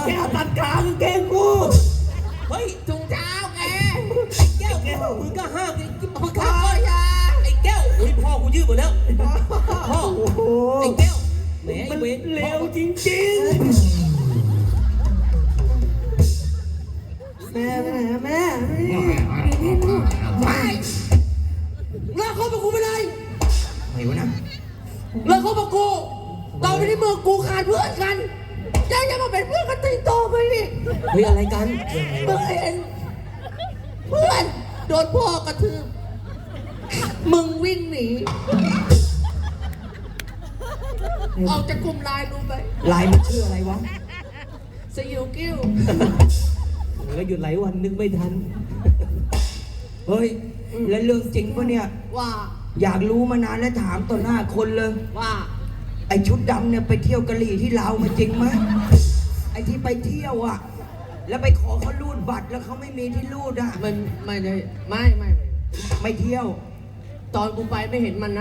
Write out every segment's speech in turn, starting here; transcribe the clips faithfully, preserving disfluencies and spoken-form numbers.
แก้วตัดขากางเกงกูเฮ้ยถุงเท้าแกไอ้แก้วแก้วมึงก็ห้ามไอ้พ่อข้าพ่อยาไอ้แก้วเฮ้ยพ่อกูยืดหมดแล้วพ่อไอ้แก้วแหมไอ้เวรเร็วจริงๆแม่ไปไหนนะแม่ไม่เลิกคบกับกูไปเลยไม่วะนะเลิกคบกับกูต่อไปนี้เมื่อกูขาดเพื่อนกันยังจะมาเป็นเพื่อนกันติดต่อไปดิเฮ้ยอะไรกันเมื่อเห็นเพื่อนโดนพ่อกระทืบมึงวิ่งหนีออกจากกลุ่มไลน์รู้ไหมไลน์มันชื่ออะไรวะสยิวกิ้วแล้วหยุดหลายวันนึกไม่ทันเฮ้ยแล้วเรื่องจริงปะเนี่ยว่าอยากรู้มานานแล้วถามต่อหน้าคนเลยว่าไอชุดดำเนี่ยไปเที่ยวกะหรี่ที่ลาวมาจริงไหมไอที่ไปเที่ยวอ่ะแล้วไปขอเขารูดบัตรแล้วเขาไม่มีที่รูดอ่ะมันไม่ได้ไม่ไม่ไม่เที่ยวตอนกูไปไม่เห็นมันนะ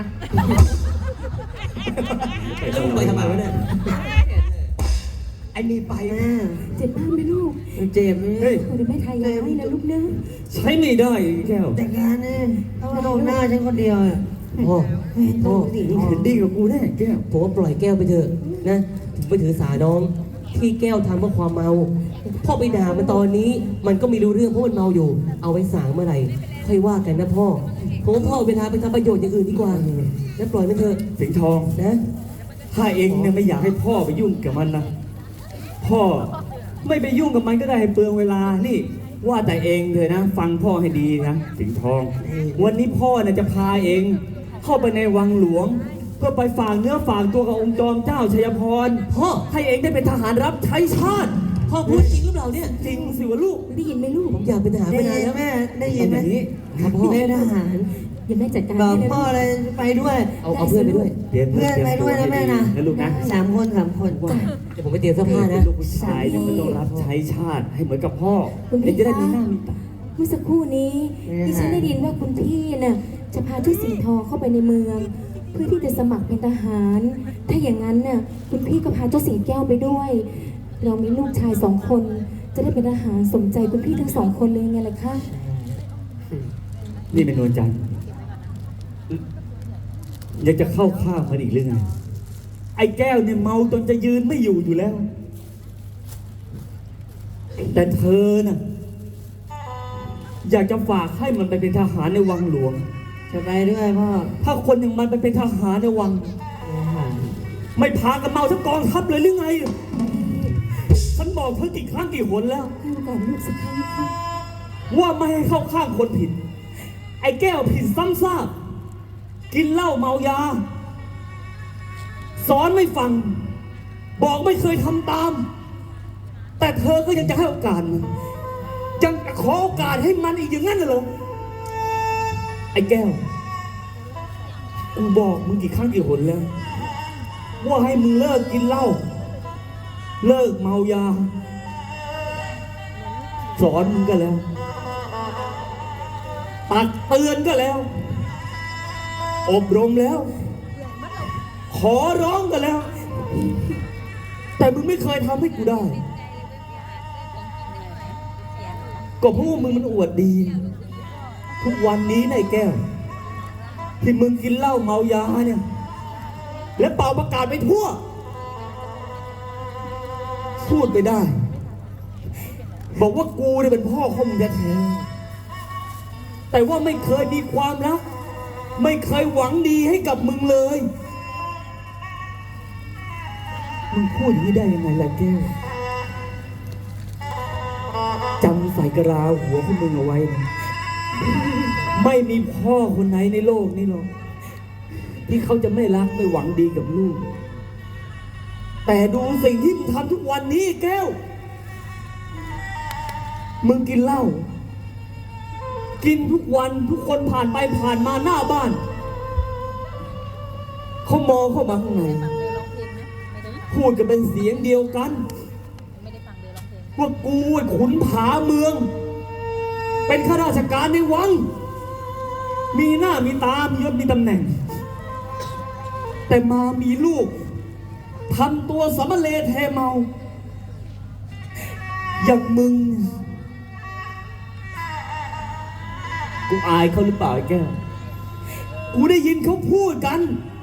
แล้วมึงไปทำไมวะเนี่ยไอ้นี่ไปนะเจ็บมากไหมลูกเจ็บเฮ้ยเดี๋ยวแม่ทายาให้นะลูกนะใช้ไม่ได้แก้วแต่งานเนี่ยต้องโดนหน้าฉันคนเดียวพ่อพ่อนี่เห็นดีกับกูแน่แก้วผมว่าปล่อยแก้วไปเถอะนะไปถือสาน้องที่แก้วทำเพราะความเมาพ่อไปด่ามันตอนนี้มันก็ไม่รู้เรื่องเพราะมันเมาอยู่เอาไว้สางเมื่อไหร่ค่อยว่ากันนะพ่อผมว่าพ่อเวลาไปทำประโยชน์อย่างอื่นดีกว่าแล้วปล่อยมันเถอะสิงห์ทองนะถ้าเองเนี่ยไม่อยากให้พ่อไปยุ่งกับมันนะพ่อไม่ไปยุ่งกับมันก็ได้ให้เปลืองเวลานี่ว่าแต่เองเลยนะฟังพ่อให้ดีนะสิงห์ทองวันนี้พ่อน่ะจะพาเองเข้าไปในวังหลวงเพื่อไปฝากเนื้อฝากตัวกับองค์จอมเจ้าชัยพรพ่อให้เองได้เป็นทหารรับใช้ชาติพ่อพูดจริงหรือเปล่าเนี่ยจริงสิวะลูกได้ยินไหมลูกผมอยากเป็นทหารไปนานแล้วแม่ได้ยินไหมครับพ่อเป็นทหารอย่าแม่จัดการบอกพ่อเลยไปด้วยเอาเอาเพื่อนไปด้วยเพื่อนไปด้วยนะแม่นะลูกนะสามคนสามคนเดี๋ยวผมไปเตรียมเสื้อผ้านะลูกผู้ชายเนี่ยมันต้องรับใช้ชาติให้เหมือนกับพ่อเองจะได้มีหน้ามีตาเมื่อสักครู่นี้ที่ฉันได้ยินว่าคุณพี่น่ะจะพาชุดสิงห์ทองเข้าไปในเมืองเพื่อที่จะสมัครเป็นทหารถ้าอย่างนั้นน่ะคุณพี่ก็พาเจ้าสิงแก้วไปด้วยเรามีลูกชายสองคนจะได้เป็นทหารสมใจคุณพี่ทั้งสองคนเลยไงล่ะคะนี่เป็นนวลจันทร์อยากจะเข้าข้างมันอีกหรือไงไอ้แก้วเนี่ยเมาจนจะยืนไม่อยู่อยู่แล้วแต่เธอน่ะอยากจะฝากให้มันไปเป็นทหารในวังหลวงจะไปด้วยพ่อถ้าคนอย่างมันไปเป็นทหารในวังไม่พากันเมาทั้งกองทัพเลยหรือไงฉันบอกเธอกี่ครั้งกี่หนแล้วให้โอกาสลูกสักครั้งค่ะว่าไม่ให้เข้าข้างคนผิดไอ้แก้วผิดซ้ำซากกินเหล้าเมายาสอนไม่ฟังบอกไม่เคยทำตามแต่เธอก็ยังจะให้โอกาสมันยังขอโอกาสให้มันอีกอย่างนั้นเหรอไอ้แก้วกูบอกมึงกี่ครั้งกี่หนแล้วว่าให้มึงเลิกกินเหล้าเลิกเมายาสอนมึงก็แล้วตักเตือนก็แล้วอบรมแล้วขอร้องกันแล้วแต่มึงไม่เคยทำให้กูได้ก็เพราะว่ามึงมันอวดดีทุกวันนี้นายแก้วที่มึงกินเหล้าเมายาเนี่ยและเป่าประกาศไปทั่วพูดไปได้บอกว่ากูเนี่ยเป็นพ่อของมึงแท้ๆแต่ว่าไม่เคยมีความรักไม่เคยหวังดีให้กับมึงเลยมึงพูดอย่างนี้ได้ยังไงล่ะแก้วจำใส่กระลาหัวของมึงเอาไว้นะไม่มีพ่อคนไหนในโลกนี้หรอกที่เขาจะไม่รักไม่หวังดีกับลูกแต่ดูสิ่งที่มึงทำทุกวันนี้แก้วมึงกินเหล้ากินทุกวันทุกคนผ่านไปผ่านมาหน้าบ้านเขามองเข้ามาข้างในพูดกันเป็นเสียงเดียวกันว่ากูไอ้ขุนผาเมืองเป็นข้าราชการในวังมีหน้ามีตามียศมีตำแหน่งแต่มามีลูกทำตัวสำมะเลเทเมาอย่างมึงเนี่ยกูอายเขาหรือเปล่าไอ้แก้ว กูได้ยินเขาพูดกัน